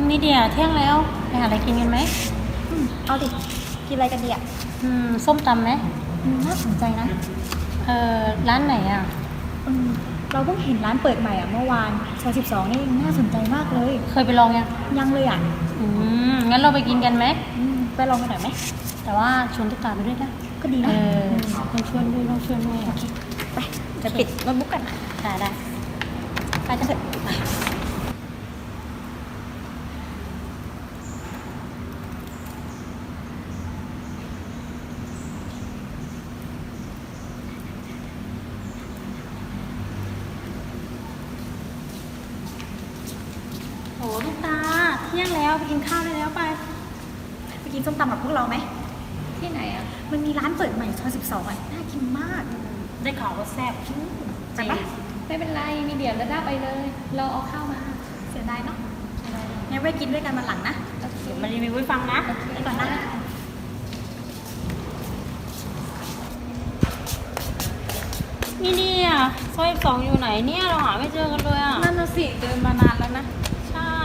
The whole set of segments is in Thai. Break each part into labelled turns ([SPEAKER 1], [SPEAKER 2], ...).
[SPEAKER 1] นี่เดียเที่ยงแล้วไปหาอะไรกินกันไหม
[SPEAKER 2] เอาดิกินอะไรกันดีอ่ะ
[SPEAKER 1] ส้มตำไหม
[SPEAKER 2] น่าสนใจนะ
[SPEAKER 1] ร้านไหนอ่ะ
[SPEAKER 2] เราเพิ่งเห็นร้านเปิดใหม่อ่ะเมื่อวานซอย12นี่น่าสนใจมากเลย
[SPEAKER 1] เคยไปลอง
[SPEAKER 2] ยังเลยอ่ะ
[SPEAKER 1] งั้นเราไปกินกันไหม
[SPEAKER 2] ไปลองกันหน่อยไหม
[SPEAKER 1] แต่ว่าชวนตุ๊กตาไปด้วยนะ
[SPEAKER 2] ก็ดีนะ
[SPEAKER 1] ต้องชวนด้วยโอเค
[SPEAKER 2] ไปจะปิดโน้ตบุ๊กกัน
[SPEAKER 1] ได้
[SPEAKER 2] ไปกันเถอะ
[SPEAKER 1] โอ้ตุ๊กตาเที่ยงแล้วไปกินข้าวได้แล้วไป
[SPEAKER 2] กินส้มตำกับพวกเราไหม
[SPEAKER 1] ที่ไหนอ่ะ
[SPEAKER 2] มันมีร้านเปิดใหม่ซอย12อ่ะน่ากินมาก
[SPEAKER 1] ได้ข่าวว่าแซ่บ
[SPEAKER 2] ไปปะ
[SPEAKER 1] ไม่เป็นไรมีเดี๋ยวแล้วได้ไปเลยเราเอาข้าวมา
[SPEAKER 2] เสียดายเนาะงั้นไปกินด้วยกันวันหลังนะ
[SPEAKER 1] เดี๋ยวมารีวิวให้ฟังนะ
[SPEAKER 2] ไปก่อนนะ
[SPEAKER 1] นี่เนี่ยซอย2อยู่ไหนเนี่ยเราหาไม่เจอกันเลยอ่ะ
[SPEAKER 2] นั่นน่ะสิเดินมานานแล้วนะ
[SPEAKER 1] ใช่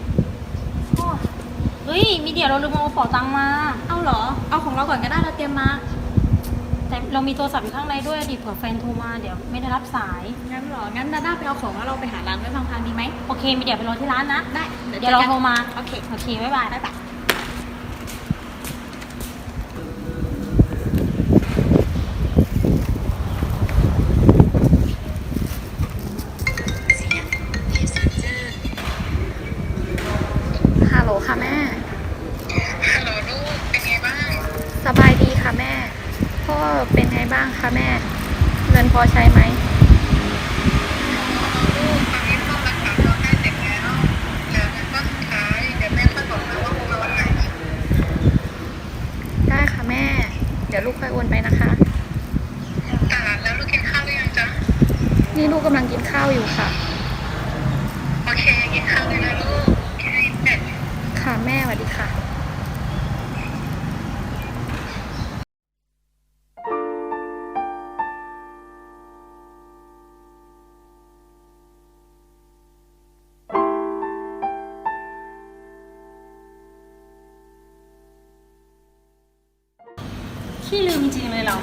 [SPEAKER 1] เฮ้ยมีเดี๋ยวเราลืมเอากระเป๋าตังค์มา
[SPEAKER 2] เอาเหรอเอาของเราก่อนก็ได้เราเตรียมมา
[SPEAKER 1] แต่เรามีโทรศัพท์อยู่ข้างในด้วยดิเผื่อแฟนโทรมาเดี๋ยวไม่ได้รับสาย
[SPEAKER 2] งั้นเหรองั้นดาด้าไปเอาของแล้วเราไปหาร้านไว้พังๆดีไหม
[SPEAKER 1] โอเคมีเดี๋ยวไปรอที่ร้านนะ
[SPEAKER 2] ได้
[SPEAKER 1] เดี๋ยวเราโทรมา
[SPEAKER 2] โอเค
[SPEAKER 1] บ๊ายบาย
[SPEAKER 2] ฮัลโหลค่ะแม่
[SPEAKER 3] ฮัลโหลลูกเป็นไงบ้าง
[SPEAKER 2] สบายดีค่ะแม่พ่อเป็นไงบ้างคะแม่เงินพอใช้ไหม
[SPEAKER 3] ลูกตอนนี้พ่อรักษาตัวใกล้เสร็จแล้วเหลือเงินก้อนสุดท้ายเดี๋ยวแม่ค่อยบอกนะว่าโอนมาวันไหน
[SPEAKER 2] ได้ค่ะแม่เดี๋ยวลูกค่อยโอนไปนะคะ
[SPEAKER 3] แล้วลูกกินข้าวหรือยังจ๊ะ
[SPEAKER 2] นี่ลูกกำลังกินข้าวอยู่ค่ะ
[SPEAKER 3] โอเคกินข้าวเลยนะลูกโอเค
[SPEAKER 2] ค่ะแม่สวัสดีค่ะ
[SPEAKER 1] ขี้ลืมจริงเลยเรา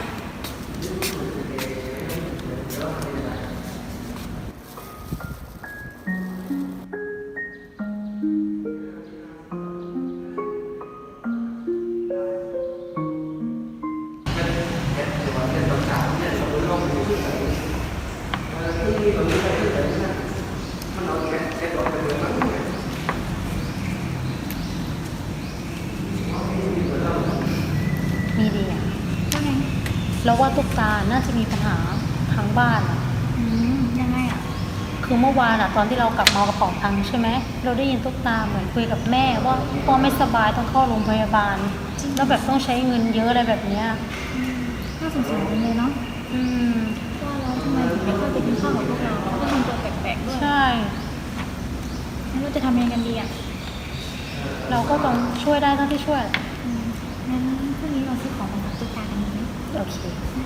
[SPEAKER 1] มีดีอ่ะแล้วว่าตุ๊กตาน่าจะมีปัญหาทางบ้านอ่ะ
[SPEAKER 2] ยังไงอ่ะ
[SPEAKER 1] คือเมื่อวานอ่ะตอนที่เรากลับมากระเป๋าตังค์ใช่ไหมเราได้ยินตุ๊กตาเหมือนคุยกับแม่ว่าพ่อไม่สบายต้องเข้าโรงพยาบาลแล้วแบบต้องใช้เงินเยอะอะไรแบบเนี้ย
[SPEAKER 2] น่าสงสารเลยเนาะว่าแล้วทำไมถึงไม่ค่อยไปกินข้าวกับพวกเราก็ทำตัวแปลกๆด้วย
[SPEAKER 1] ใช่
[SPEAKER 2] งั้นเราจะทำยังไงกันดีอ่ะ
[SPEAKER 1] เราก็ต้องช่วยได้เท่าที่ช่วย
[SPEAKER 2] งั้นพรุ่งนี้เราซื้อของมาฝากตุ๊กตากันดีไหม
[SPEAKER 1] โอเค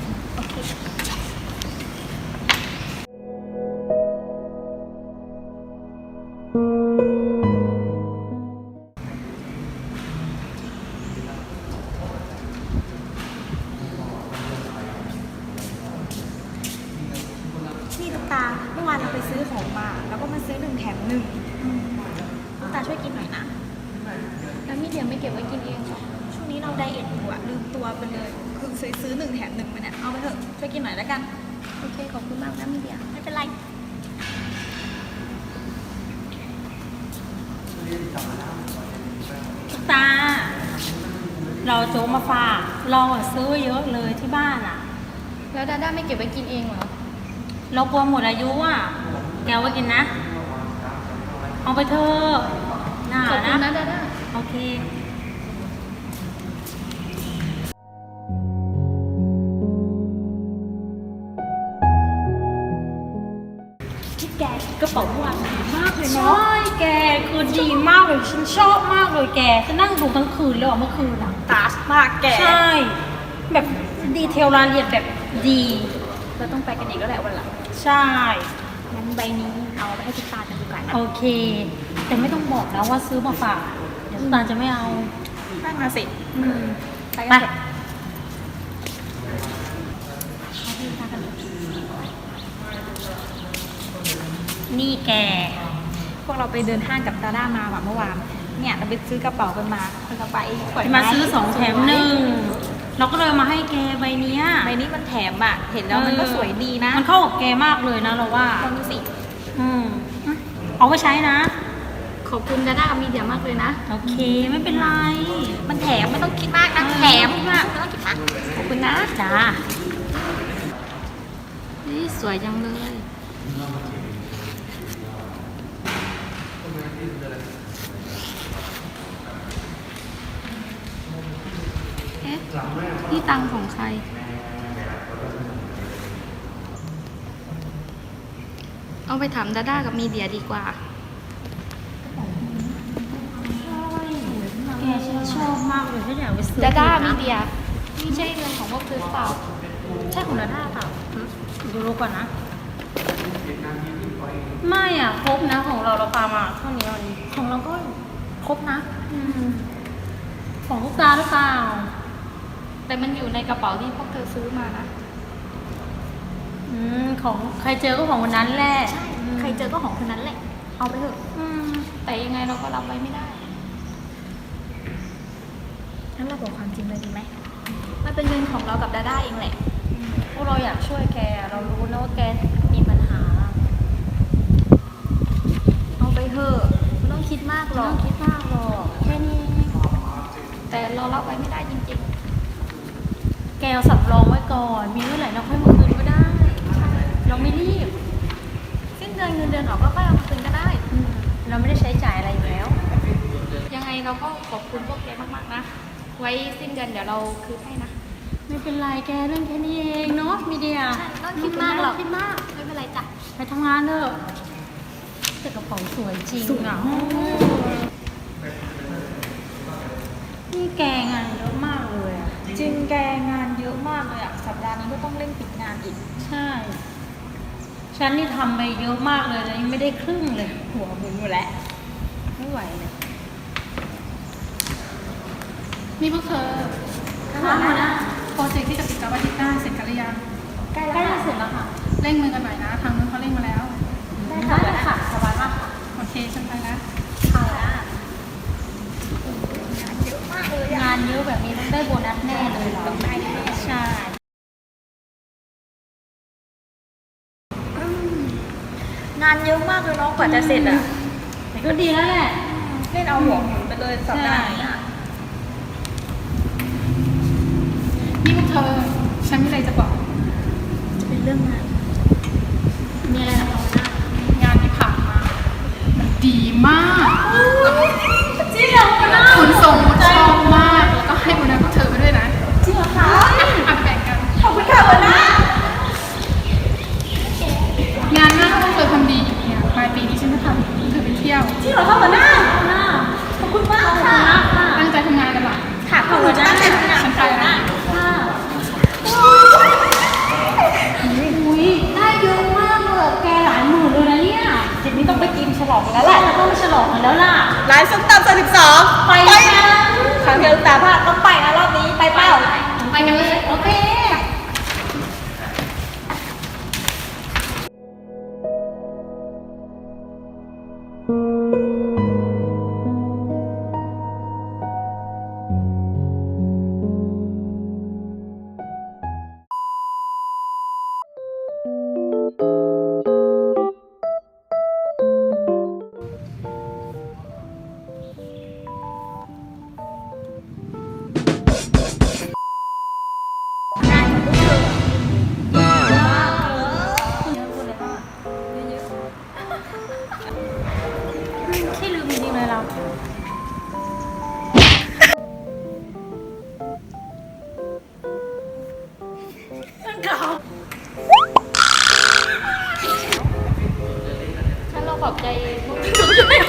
[SPEAKER 2] นี่ตุ๊กตาเมื่อวานเราไปซื้อของมาแล้วก็มาซื้อ1 แถม 1ตุ๊กตาช่วยกินหน่อยนะ
[SPEAKER 1] แล้วมีเดียไม่เก็บไว้กินเองหรอ
[SPEAKER 2] ช่วงนี้เราไดเอทอยู่อะลืมตัวไปเลยคือซื้อ1 แถม 1มาเนี่ยเอาไปเถอะช่วยกินหน่อยแล้วกัน
[SPEAKER 1] โอเคขอบคุณมากนะมีเดีย
[SPEAKER 2] ไม่เป็นไร
[SPEAKER 1] ตาเราโจ๊กมาฝากเราซื้อเยอะเลยที่บ้านอ่ะ
[SPEAKER 2] แล้วดาด้าไม่เก็บไว้กินเองเหรอ
[SPEAKER 1] เรากลัวหมดอายุอ่ะแกไว้กินนะเอาไปเถอะน่า
[SPEAKER 2] ขอบคุณนะดาด้า
[SPEAKER 1] โอเค
[SPEAKER 2] ที่แกกระเป๋าเมื่อวานดีมากเลยเนาะ
[SPEAKER 1] ใช่แกคือดีมากเลยฉันชอบมากเลยแกจะนั่งดูทั้งคืนเลยเมื่อคืนอ่ะ
[SPEAKER 2] ตาสมากแก
[SPEAKER 1] ใช่แบบดีเทลรายละเอียดแบบดี
[SPEAKER 2] เราต้องไปกันอีกแล้วแหละวันหลัง
[SPEAKER 1] ใช่
[SPEAKER 2] งั้นใบนี้เอาไปให้ตุ๊กตากันดีกว่านะ
[SPEAKER 1] โอเคแต่ไม่ต้องบอกนะว่าซื้อมาฝากเดี๋ยวตาจะไม่เอา
[SPEAKER 2] นั่งมาสิ
[SPEAKER 1] อืม
[SPEAKER 2] ไป
[SPEAKER 1] ไป
[SPEAKER 2] กันเถอะ
[SPEAKER 1] นี่แก
[SPEAKER 2] พวกเราไปเดินห้างกับดาด้ามาแบบเมื่อวานเนี่ยเราไปซื้อกระเป๋ากันมาแล้วก็ไปขวด
[SPEAKER 1] มาซื้อ2 แถม 1เราก็เลยเอามาให้แกใบเนี้ย
[SPEAKER 2] ใบนี้มันแถมอ่ะเห็นแล้วมันก็สวยดีนะ
[SPEAKER 1] มันเข้ากับแกมากเลยนะเราว่า
[SPEAKER 2] ลองดูสิ
[SPEAKER 1] อืมเอาไปใช้นะ
[SPEAKER 2] ขอบคุณดาด้ากับมีเดียมากเลยนะ
[SPEAKER 1] โอเคไม่เป็นไร
[SPEAKER 2] มันแถมไม่ต้องคิดมากนะแถมมากไม่ต้องคิดมากขอบคุณนะ
[SPEAKER 1] จ้า
[SPEAKER 2] นี่สวยจังเลยเอ๊ะนี่ตังค์ของใคร เอาไปถามดาด้ากับมีเดียดีกว่า
[SPEAKER 1] แกฉันชอบมากเลยฉันอยากไปซื้อ
[SPEAKER 2] ดาด้า
[SPEAKER 1] อีก
[SPEAKER 2] มี
[SPEAKER 1] นะ
[SPEAKER 2] เดียนี่ใช่เงินของพวกเธอหรือเปล่า
[SPEAKER 1] ใช่ของดาด้าเปล่าดูรู้ก่อนนะ ไม่อ่ะครบนะของเราปามาเท่านี้วันนี้ของเราก็ครบนะของลูกตาหรือเปล่า
[SPEAKER 2] แต่มันอยู่ในกระเป๋าที่พวกเธอซื้อมานะ
[SPEAKER 1] ของใครเจอก็ของวันนั้นแหละ
[SPEAKER 2] ใครเจอก็ของคนนั้นแหละ เอาไปเถอะ แต่ยังไงเราก็รับไว้ไม่ได้ งั้นเราบอกความจริงเลยดีไหม มันเป็นเงินของเรากับดาด้าเองแหละ
[SPEAKER 1] พวกเราอยากช่วยแกเรารู้นะว่าแกมีปัญหา
[SPEAKER 2] เอาไปเถอะไม่ต้องคิดมากหร
[SPEAKER 1] ไม่
[SPEAKER 2] อ
[SPEAKER 1] ต้
[SPEAKER 2] ก
[SPEAKER 1] องคิดมากหรอกแค่นี้
[SPEAKER 2] แต่เรารับไว้ไม่ได้จริง
[SPEAKER 1] แกเอาสำรองไว้ก่อน มีเมื่อไหร่เราค่อยมาคืนก็ได้ เราไม่รีบ
[SPEAKER 2] ๆ สิ้นเดือนเงินเดือนออกก็ค่อยเอามาคืนก็ได้
[SPEAKER 1] เราไม่ได้ใช้จ่ายอะไรอยู่แล้ว
[SPEAKER 2] ยังไงเราก็ขอบคุณพวกแกมากๆนะ ไว้สิ้นเดือนเดี๋ยวเราคืนให้นะ
[SPEAKER 1] ไม่เป็นไรแกเรื่องแค่นี้เองเนาะมีเดีย
[SPEAKER 2] ใช่ไม่ต้องคิดมากหรอก
[SPEAKER 1] คิดมาก
[SPEAKER 2] ไม่เป็นไรจ้ะ
[SPEAKER 1] ไปทำงานเถอะแต่กระเป๋าสวยจริงอ่ะนี่แกงานเยอะมากเลยอ่ะ
[SPEAKER 2] จริงแกงานเยอะมากเลยอะสัปดาห์นี้ก็ต้องเร่งปิดงานอีก
[SPEAKER 1] ใช่ ฉันนี่ทำไปเยอะมากเลยแล้วยังไม่ได้ครึ่งเลย
[SPEAKER 2] หัวหมุนอยู่แล้ว
[SPEAKER 1] ไม่ไหวเลย
[SPEAKER 4] นี่พวกเธอ
[SPEAKER 1] ค่ะหัวหน้า
[SPEAKER 4] โปรเจกต์ที่จะปิดจอบอาทิตย์หน้าเสร็จกันหรือยัง
[SPEAKER 2] ใกล้
[SPEAKER 1] ใกล้
[SPEAKER 2] แล้ว
[SPEAKER 1] จะเสร็จแล้วค่ะ
[SPEAKER 4] เร่งมือกันหน่อยนะ ทางนู้นเขาเร่งมาแล้ว
[SPEAKER 1] ได้ค่ะสบายมากค่ะ
[SPEAKER 4] โอเค ฉันไปแล้ว
[SPEAKER 1] ค่ะ
[SPEAKER 2] งานเยอะมากเลยอะ
[SPEAKER 1] งานเยอะแบบนี้ต้องได้โบนัสแน่เลยเรา
[SPEAKER 2] ต้องได้แน่
[SPEAKER 1] ใช่
[SPEAKER 2] งานเยอะมากเลยเนาะกว่าจะเสร็จอะ
[SPEAKER 1] แต่ก็ดีแล้วแหละ
[SPEAKER 2] เล่นเอาหัวหมุนไปเลยสัปดาห์นี้อะ
[SPEAKER 4] นี่พวกเธอ ฉันมีอะไรจะบอก
[SPEAKER 2] จะเป็นเรื่องงาน
[SPEAKER 1] มีอะไรนะคะหัวหน้าง
[SPEAKER 4] านที่ผ่านมา มันดีมาก
[SPEAKER 1] จริงเหรอหัวหน้า
[SPEAKER 4] คุณส่งชอบมาก แล้วก็ให้โบนัสพวกเธอไปด้วยนะ
[SPEAKER 1] จริงเหรอคะ
[SPEAKER 4] อ่ะแบ่งกัน
[SPEAKER 1] ขอบคุณค่ะหัวหน้าง
[SPEAKER 4] านหน้าถ้าพวกเธอทำดีอีกเนี่ยปลายปีนี้ฉันจะพาพวกเธอไปเที่ยว
[SPEAKER 1] จริงเหรอคะหัวหน้าหัวหน้าขอบคุณมากค่ะ
[SPEAKER 4] ตั้งใจทำงานกันหรอ
[SPEAKER 1] ค่ะหัวหน้า
[SPEAKER 4] ฉันไปแล้วนะ
[SPEAKER 1] ค่ะอุ้ยได้เยอะมากเลยแกหลายหมื่นเลยนะเนี่ย
[SPEAKER 2] ทีนี้ต้องไปกินฉลองกันแล้ว
[SPEAKER 1] แล้ว
[SPEAKER 2] แห
[SPEAKER 1] แห
[SPEAKER 2] ละ
[SPEAKER 1] ละเราต้องไปฉลองกันแล้วล่ะ
[SPEAKER 2] ร้านส้มตำ32
[SPEAKER 1] ไปกัน
[SPEAKER 2] ครั้งเดียวตาพลาดต้องไปนะรอบนี้ไปเปล่า
[SPEAKER 1] ไปกันเลยโอเคขี้ลืมจริงๆเลยเราเก่า
[SPEAKER 2] ฉันเราขอบใจพวก